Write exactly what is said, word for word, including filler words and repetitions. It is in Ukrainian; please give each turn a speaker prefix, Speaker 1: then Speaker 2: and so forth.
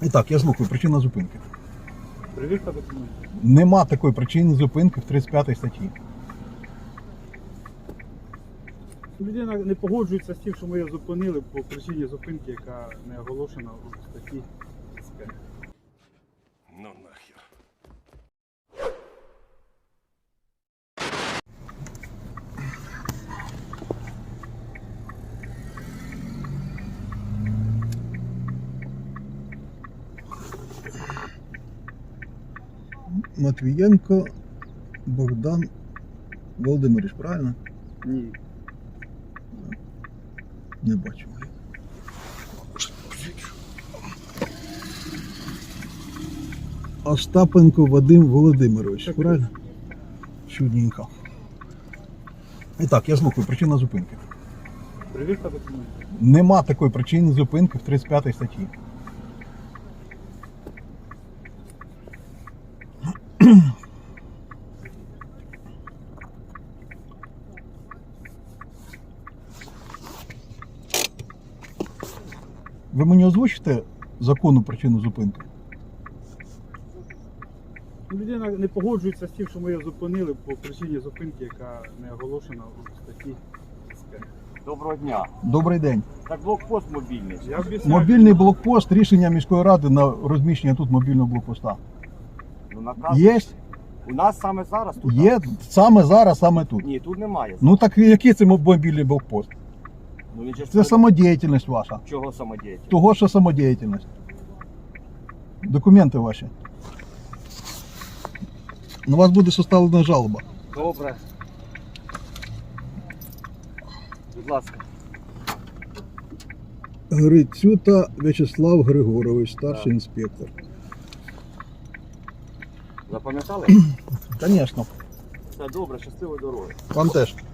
Speaker 1: І так, я слухаю, причина зупинки.
Speaker 2: Перевірка документів.
Speaker 1: Нема такої причини зупинки в тридцять п'ятій статті.
Speaker 2: Людина не погоджується з тим, що ми її зупинили по причині зупинки, яка не оголошена у статті СП.
Speaker 3: Ну нахер.
Speaker 1: Матвієнко Богдан Володимирович, правильно?
Speaker 2: Ні.
Speaker 1: Не бачу. Остапенко Вадим Володимирович,
Speaker 2: Так,
Speaker 1: правильно? Чудненько. І так, я слухаю, причина зупинки.
Speaker 2: Перевірка документів.
Speaker 1: Нема такої причини зупинки в тридцять п'ятій статті. Ви мені озвучите законну причину зупинки?
Speaker 2: Людина не погоджується з тим, що ми її зупинили по причині зупинки, яка не оголошена у статті СП.
Speaker 4: Доброго дня.
Speaker 1: Добрий день.
Speaker 4: Так блокпост мобільний.
Speaker 2: Я об'ясняю.
Speaker 1: Мобільний блокпост, рішення міської ради на розміщення тут мобільного блокпоста.
Speaker 4: Ну, наказ.
Speaker 1: Є?
Speaker 4: У нас саме зараз тут.
Speaker 1: Є саме зараз, саме тут.
Speaker 4: Ні, тут немає.
Speaker 1: Ну так який це мобільний блокпост?
Speaker 4: Ну, він же ж
Speaker 1: Це
Speaker 4: перед-
Speaker 1: самодіяльність ваша.
Speaker 4: Чого самодіяльність?
Speaker 1: Того, що самодіяльність. Документи ваші. На вас буде составлена жалоба.
Speaker 4: Добре. Будь ласка.
Speaker 1: Грицюта В'ячеслав Григорович, старший
Speaker 4: Так.
Speaker 1: інспектор.
Speaker 4: Запам'ятали?
Speaker 1: Звісно.
Speaker 4: Все добре, щасливої дороги.
Speaker 1: Вам теж.